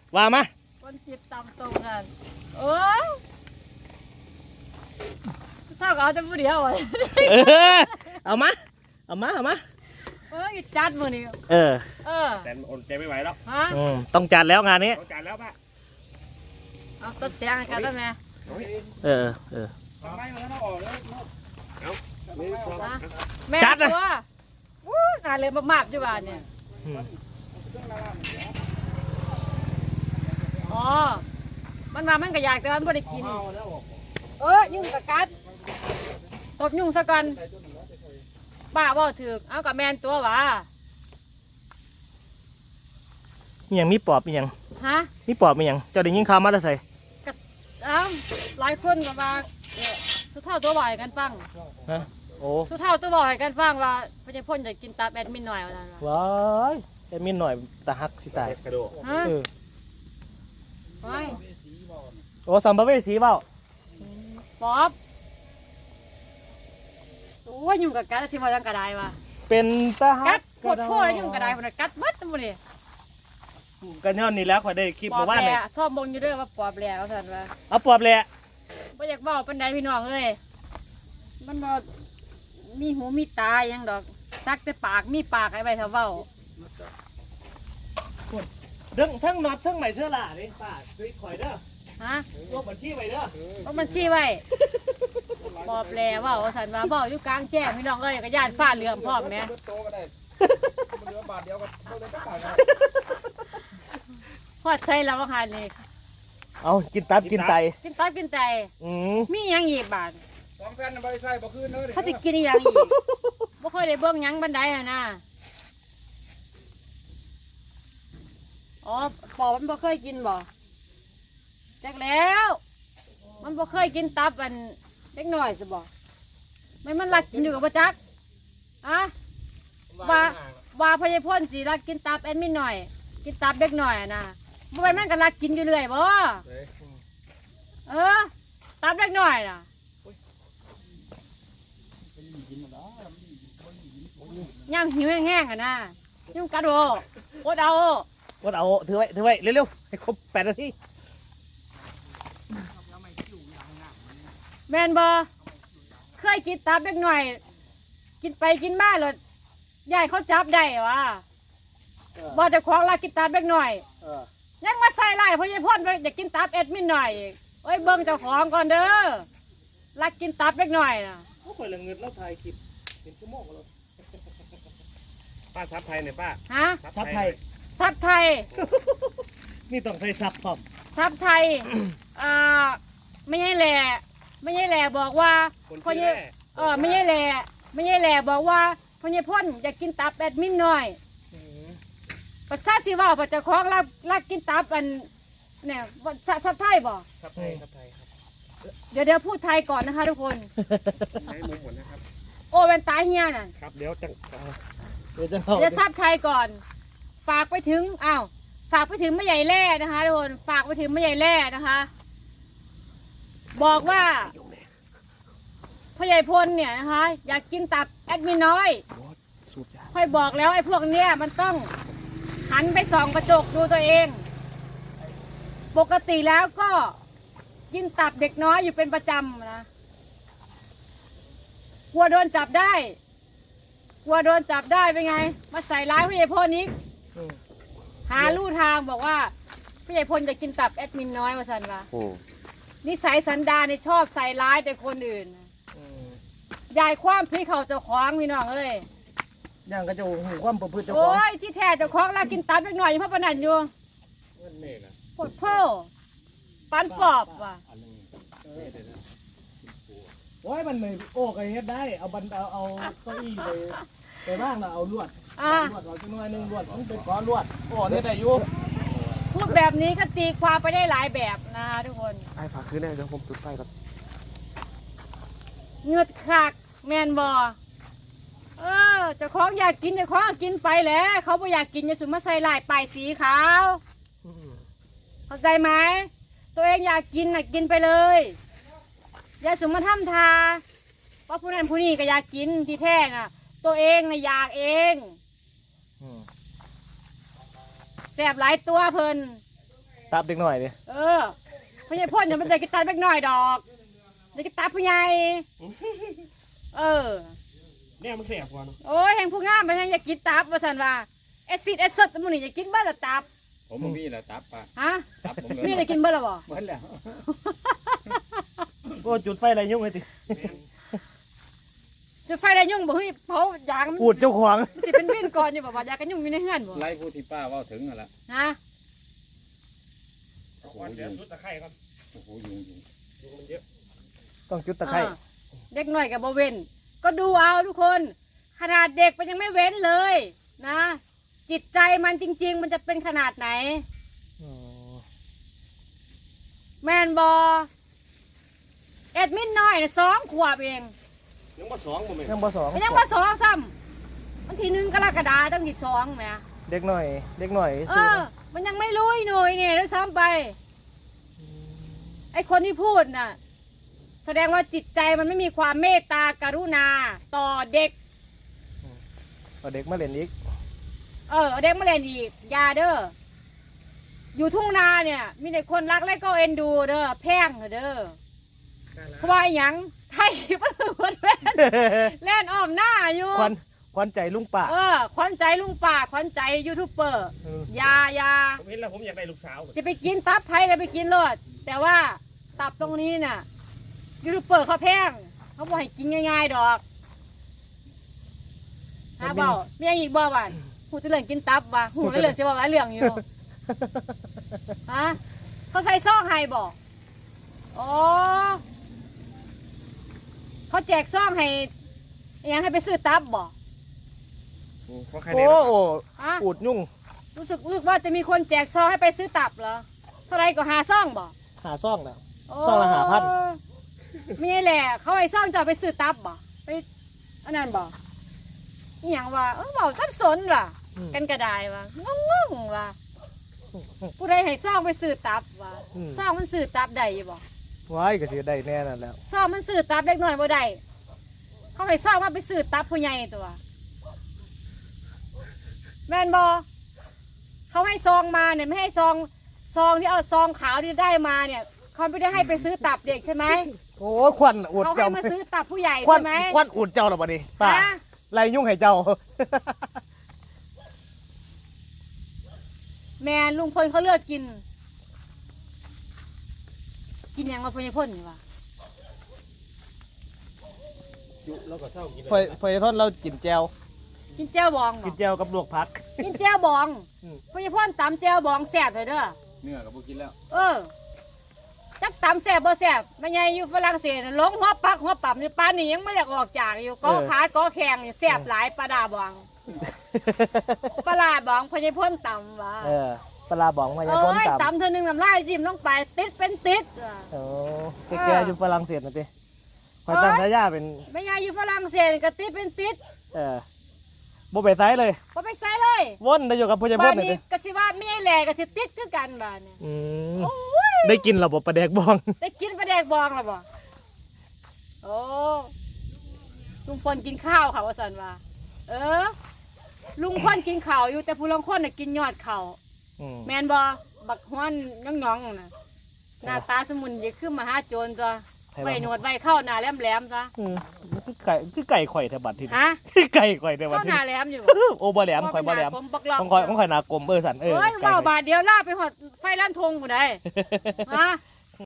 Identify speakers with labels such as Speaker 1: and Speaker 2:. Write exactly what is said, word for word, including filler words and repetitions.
Speaker 1: ว่ามา
Speaker 2: คนจิตตำตรงกันโอ้ยเท่ากับเอาแต่ผู้เดียวอ่ะ
Speaker 1: เออเอามาเอามาเอามา
Speaker 2: เอ้ยจัดมือนี่
Speaker 1: เออ
Speaker 2: เออ
Speaker 3: แต่อดใจไม่ไหวแล้ว
Speaker 2: ฮะ
Speaker 1: ต้องจัดแล้วงานนี้
Speaker 3: ต้องจัดแล้วป่ะ
Speaker 2: เอาต้นเสียงกันได้ไหม
Speaker 1: เออเออ
Speaker 3: ทำไมมันต้องออกเลยเอาไม่สอบ
Speaker 2: แม่ตัววู้งานเลยมากๆอยู่บ้านเนี่ยอ๋อมันมามันก็อยากแต่มันไม่ได้กินเออยุ่งกับกัดตบยุ่งซะก่อนป้าว่าถือเอากับแมนตัววะ
Speaker 1: มีอย่างมีปอบมีอย่าง
Speaker 2: ฮะ
Speaker 1: มีปอบมีอย่างเจ้าได้ยินข่าวมาแล้วใส่
Speaker 2: กับเอ้าหลายคนกับว่าทุกเท่าตัวบ่อยกันฟัง
Speaker 1: ฮะโอ้
Speaker 2: ทุกเท่าตัวบ่อยกันฟังว่าพญาพ่นจะกินตาแอดมินหน่อยว่า
Speaker 1: ว้ายแอดมินหน่อยตาหักสิตาย
Speaker 3: กระโดด
Speaker 2: ฮะไป
Speaker 1: โอ้สัมภเวสีเปล่า
Speaker 2: ป๊อบโอ้ยยุ่งกับกัดที่ว่ายังกระไดวะ
Speaker 1: เป็นตาหั
Speaker 2: กกัดปวดโผล่ยุ่งกระไดคนกัดมัดตัวนี้
Speaker 1: กันย้อนนี่แล้วข่อยได้คลิปมาว่า
Speaker 2: เนี่ยซ่อมบงอยู่ด้วยว่าปอบแหล่เขาสั่นว่า
Speaker 1: เอาปอบแหล่
Speaker 2: ไม่อยากบอกเป็นใดพี่น้องเลยมันบ่มีหูมีตายังดอกซักแต่ปากมีปากไอ้ใบเท้าเว้า
Speaker 1: ทั้งทั้งน็อตทั้งไหมเชื่อล่ะนี่ป้าคุยข่อยเด้อ
Speaker 2: ฮะ
Speaker 1: ลบบัญชีไว้เด้อ
Speaker 2: ลบบัญชีไว้ปอบแหล่เว้าสั่นว่าเว้าอยู่กลางแจ้งพี่น้องเอ้ยก็ย่านฟ้าเหลือมพร้อมแม่พอดใส่แล้วว่าคันนี่
Speaker 1: เอากินตับกินไต
Speaker 2: กินตับกินไตมียังอีกบาท
Speaker 3: สองแผ่นบริษัทบ่คืนเลย
Speaker 2: เขาจะกินยังอีกบ่ค่อยได้เบิ่งยังบันไดอ่ะนะอ๋อปอบมันบ่เคยกินบ่จักแล้วมันบ่เคยกินตับอันเล็กน้อยสิบ่ไม่มันรักกินอยู่กับบ่จักอะว่าว่าพญาพ่นสิรักกินตับแอดมินหน่อยกินตับเล็กน้อยอ่ะนะบ่เป็นมันก็รักกินอยู่เรื่อยบ่เออตับเล็กน้อยน่ะย่างหิวแห้งๆอ่ะนะยุ่งกัดโอโอดเอา
Speaker 1: โอดเอาถือไว้ถือไว้เร็วๆให้ครบแปดนาที
Speaker 2: แมนบอเคยกินตับเล็กหน่อยกินไปกินมาเลยยายเขาจับได้วะบอจะคล้องลากินตับเล็กหน่อยยังมาใส่ไล่เพราะยายพ่นไปอยากกินตับเอ็ดมินหน่อยโอ้ยเบิ้งเจ้าของก่อนเด้อลักกินตับเล็กหน่อยนะ
Speaker 1: เขาคอยละเงินแล้วถ่ายคลิปเป็นชั่วโมงแล้ว
Speaker 3: ป้าซับไทยเนี่ยป้า
Speaker 2: ฮะ
Speaker 1: ซับไทย
Speaker 2: ซับไทย
Speaker 1: นี่ต้องใส่ซับพร้อม
Speaker 2: ซับไทยอ่าไม่ใช่แหล่ไม่ใช่แหล่บอกว่า
Speaker 3: คน
Speaker 2: นี้เออไม่ใช่แหล่ไม่ใช่แหล่บอกว่าพญาพ่นอยากกินตับแอดมินหน่อยปัสสาวะสิว่าปัจจุบันรักรักกินตับอันเนี่ยซับไทยบอก
Speaker 3: ซับไทยซับไทยครับ
Speaker 2: เดี๋ยวเดี๋ยวพูดไทยก่อนนะคะทุกคน
Speaker 3: ให้มุมหมดนะครับ
Speaker 2: โอ้เป็นตายเฮียน่ะ
Speaker 3: ครับเดี๋ยวจัง
Speaker 1: เดี๋ยวจะ
Speaker 2: เดี๋ยวซับไทยก่อนฝากไปถึงอ้าวฝากไปถึงแม่ใหญ่แร่นะคะทุกคนฝากไปถึงแม่ใหญ่แร่นะคะบอกว่าพ่อใหญ่พลเนี่ยนะคะอยากกินตับแอดมินน้อยค่อยบอกแล้วไอ้พวกเนี้ยมันต้องหันไปส่องกระจกดูตัวเองปกติแล้วก็กินตับเด็กน้อยอยู่เป็นประจำนะกลัวโดนจับได้กลัวโดนจับได้เป็นไงมาใส่ร้ายพ่อใหญ่พลนี้หาลู่ทางบอกว่าพ่อใหญ่พลจะกินตับแอดมินน้อยว่าสันวะนิสัยสันดานเนี่ยชอบใส่ร้ายแต่คนอื่นยายคว้ามพี่เขาเจ้าของพี่น้องเอ้ย
Speaker 1: ย่างก็จะหูความประพฤติเจ้าของ
Speaker 2: โอ้ยที่แท้เจ้าของเรากินตับเล็กหน่อยเพราะปนันอยู่ปวดเพ้อปันปอบว่ะ
Speaker 1: โอ้ยมันไม่โอ้ก็เฮ็ดได้เอาบันเอาเอาเก้าอี้ไปไปบ้างนะเอาลวดลวดเอาจังหน่อยนึงลวดมันเป็นก้อนลวดโอ้เนี่ยได้อยู่
Speaker 2: พูดแบบนี้ก็ตีความไปได้หลายแบบนะทุกคน
Speaker 3: ไอ้ฝากคืนแน่เดี๋ยวผมจุดไฟก่อน
Speaker 2: เงือดคักแมนบอเออเจ้าของอยากกินเจ้าของกินไปแหละเขาไม่อยากกินอย่าสุมาใส่ลายป้ายสีขาวเข้าใจไหมตัวเองอยากกินน่ะกินไปเลยอย่าสุมาทำทาเพราะผู้นั้นผู้นี้ก็อยากกินที่แท้น่ะตัวเองน่ะอยากเองแสบหลายตัวเพลิน
Speaker 1: ตับเด็กหน่อยดิ
Speaker 2: เออพ่อใหญ่พ่นอย่ามันได้กินตับเล็กน้อยดอกได้กินตับผู้ใหญ่เออ
Speaker 3: เนี่ยมันแสบกว่าเนาะ
Speaker 2: โอ้ยแห่งผู้งามไปแห่งอยากกินตับว่าสันว่าแอซิดแอซิดมันนี่อยากกินเบ้าละตับ
Speaker 4: ผมบ่มีแล้วตับป่ะ
Speaker 2: ฮะ
Speaker 4: ตับผมเลย
Speaker 2: พี่ได้กินเบ้าละบ่
Speaker 4: หมดแล้ว
Speaker 1: โอ้จุดไฟอะไรยุ่งไอ้ติ
Speaker 2: จะไฟได้ยุ่งบ่เฮ้ยเผาอยางมัน
Speaker 1: อูดเจ้าของ
Speaker 2: มันสิเป็นวินก่อนอยู่บ่ว่าอยากกันยุ่งอยู่ในเฮือนบ่
Speaker 4: ไล่ผู้ที่ป้าเว่าถึงนั่นแหละ
Speaker 2: ฮะ
Speaker 3: เอาก่อนเดี๋ยวชุดตะไคร้ก่อน
Speaker 4: โอ้โหยุงยุง
Speaker 3: ยุงมันเยอะ
Speaker 1: ต้องจุดตะไคร้
Speaker 2: เออเด็กหน่อยกับบ่เว้นก็ดูเอาทุกคน ขนาดเด็กมันยังไม่เว้นเลยนะ จิตใจมันจริง ๆ มันจะเป็นขนาดไหน
Speaker 1: อ๋อ
Speaker 2: แมนบอแอดมินน้อยน่ะสองขวบเอง
Speaker 3: ยังมาสองบ่แม่น
Speaker 1: ยังบ่สอง
Speaker 2: มันยังว่าสองซ้ำวันที่หนึ่งกรกฎาคมตั้งที่สองแหม
Speaker 1: เด็กหน่อย เด็กหน่อย
Speaker 2: เอ
Speaker 1: ซื้อ
Speaker 2: อ มันยังไม่รู้อีหน่อยเนี่ยด้วยซ้ำไป ไอคนที่พูดน่ะ แสดงว่าจิตใจมันไม่มีความเมตตากรุณา ต่อเด็ก
Speaker 1: เอาเด็กมาเล่นอีก
Speaker 2: เออเอาเด็กมาเล่นอีกอยาเด้ออยู่ทุ่งนาเนี่ย มีแต่คนรักและก็เอ็นดูเด้อแพงเด้อเพราะว่าอหยังไทยมันคือคนแล่นแล่นอ้อมหน้าอยู่
Speaker 1: ควันควันใจลุงป่า
Speaker 2: เออขวัญใจลุงป่าขวัญใจยูทูบเบอร์
Speaker 1: เออ
Speaker 2: อยาอยา
Speaker 3: ผมเห็นแล้วผมอยากได้ลูกสาว
Speaker 2: จะไปกินตับไผ่ก็ไปกินโลดแต่ว่าตับตรงนี้น่ะยูทูบเบอร์เขาแพงเขาบอกให้กินง่ายๆดอกหาเบามีอะไรอีกบ่บ้านหูจะเรื่องกินตับว่ะหูจะเรื่องเสียบ่หลายเรื่องอยู่ ฮะเขาใส่ซองให้บอกอ๋อเขาแจกซองให้อิหยังให้ไปซื้อตับบอก
Speaker 3: เพราะใคร
Speaker 1: โอ้
Speaker 3: ได้
Speaker 1: โอ้
Speaker 2: ฮะ
Speaker 1: อูดยุ่ง
Speaker 2: รู้สึกรู้สึกว่าจะมีคนแจกซองให้ไปซื้อตับเหรอเท่าไรก็หาซองบอก
Speaker 1: หาซ่องแล้ว ซองละห้าพัน
Speaker 2: มีแหละเขาให้ซองจะเอาไปซื้อตับบอกไปอันนั้นบอกอหย่างว่าเออบอกสับสนว่ะ
Speaker 1: อืม
Speaker 2: กันกระไดว่ะงงๆว่ะผู้ใดให้ซองไปซื้อตับว่ะ
Speaker 1: อืม
Speaker 2: ซองมันซื้อตับได้อยู่บอก
Speaker 1: ไว้ก็สิได้แน่นั่นแล้ว
Speaker 2: ซองมันซื้อตับเล็กน้อยบ่ได้เขาให้ซองมาไปซื้อตับผู้ใหญ่ตัวแม่นบอเขาให้ซองมาเนี่ยไม่ให้ซองซองที่เอาซองขาวที่ได้มาเนี่ยเขาไม่ได้ให้ไปซื้อตับเด็กใช่ไหม
Speaker 1: โอ้ควันอูด
Speaker 2: เขาให้
Speaker 1: เจ้า
Speaker 2: มาซื้อตับผู้ใหญ่
Speaker 1: ควัน
Speaker 2: ใช่ไหม
Speaker 1: ควันอูดเจ้าหรอบ่ดิป้า
Speaker 2: ฮะ
Speaker 1: ไล่ยุ่งให้เจ้า
Speaker 2: แม่ลุงพลเขาเลือกกิน กินหยังมาพญพ่นนี่วะ
Speaker 3: จุแล้วก็เศร้ากิน
Speaker 1: พอยพอยทอนเรากินแจว
Speaker 2: กินแจ่วบองบ
Speaker 1: กิ
Speaker 2: อน ก
Speaker 1: แจวกับลวกผัก
Speaker 2: กินแจ่วบอง
Speaker 1: อืม
Speaker 2: พญพ่นตำแจ่วบองแซ่บเลยเด้อ
Speaker 4: เนื้อกับพวกกินแล้ว
Speaker 2: เออจักตำแซ่บบ่แซ่บแม่ใหญ่อยู่ฝรั่งเศสน่ะหลงหัวปักหัวปั๊มอยู่ปานนี้ยังไม่อยากออกจากอยู่กอขาก็แข็งอยู่แซ่บหลายปลาดาบองปลาลาบองพญพ่นตำวะ
Speaker 1: เออปลาบองมา
Speaker 2: เอ
Speaker 1: อย่าพ้น
Speaker 2: ้ย
Speaker 1: ต่ำ
Speaker 2: ตำเธอหนึ่งน้ำลายจิ้มลงไปติดเป็นติดอ่ะ
Speaker 1: โอ้แกๆอยู่ฝรั่งเศสนะติคอยตั้งทายาเป็น
Speaker 2: แม่ใหญ่อยู่ฝรั่งเศสก็ติดเป็นติด
Speaker 1: เออบ่ไปไสเลย
Speaker 2: บ่ไปใส่เลย
Speaker 1: วนได้อยู่กับพ่อใหญ่
Speaker 2: บ้า
Speaker 1: พ่
Speaker 2: น
Speaker 1: นนี่
Speaker 2: นี้
Speaker 1: ติ
Speaker 2: ก็สิว่าแม่แหล่ก็สิติดคือกันบ้านเนี่ย
Speaker 1: อืม
Speaker 2: โอ้ย
Speaker 1: ได้กินระบบปลาแดกบอง
Speaker 2: ได้กินปลาแดกบองแล้วบ่โอ้ลุงพลกินข้าวค่ะว่าสันว่า เออ ลุงพลกินข้าวอยู่แต่ผู้ลางคนน่ะกินยอดข้าว
Speaker 1: อืม
Speaker 2: แม่นบ่บักฮ้อนย่องๆน่ะหน้าตาสมุนจะขึ้นมาหาโจรตัวไว้หนวดไว้เข้าหน้าแหลมๆซะ
Speaker 1: อืมคือไก่คือไก่ข่อยแถวบัดทีนี้
Speaker 2: ฮะ
Speaker 1: คือไก่ข่อยแถวบัด
Speaker 2: เข้า
Speaker 1: ที
Speaker 2: หน้า
Speaker 1: นี้
Speaker 2: แหลมอยู่
Speaker 1: โอ้บ่แหลมข่อยบ่แหลม
Speaker 2: ผมบักหลอก
Speaker 1: ของข่อยของข่อยหนากลมเออสันเออ
Speaker 2: เอ้ย
Speaker 1: ไก่
Speaker 2: เว้า
Speaker 1: ข่อย
Speaker 2: บาทเดียวลาไปหอดไฟล้านธงผู้ใด ฮะ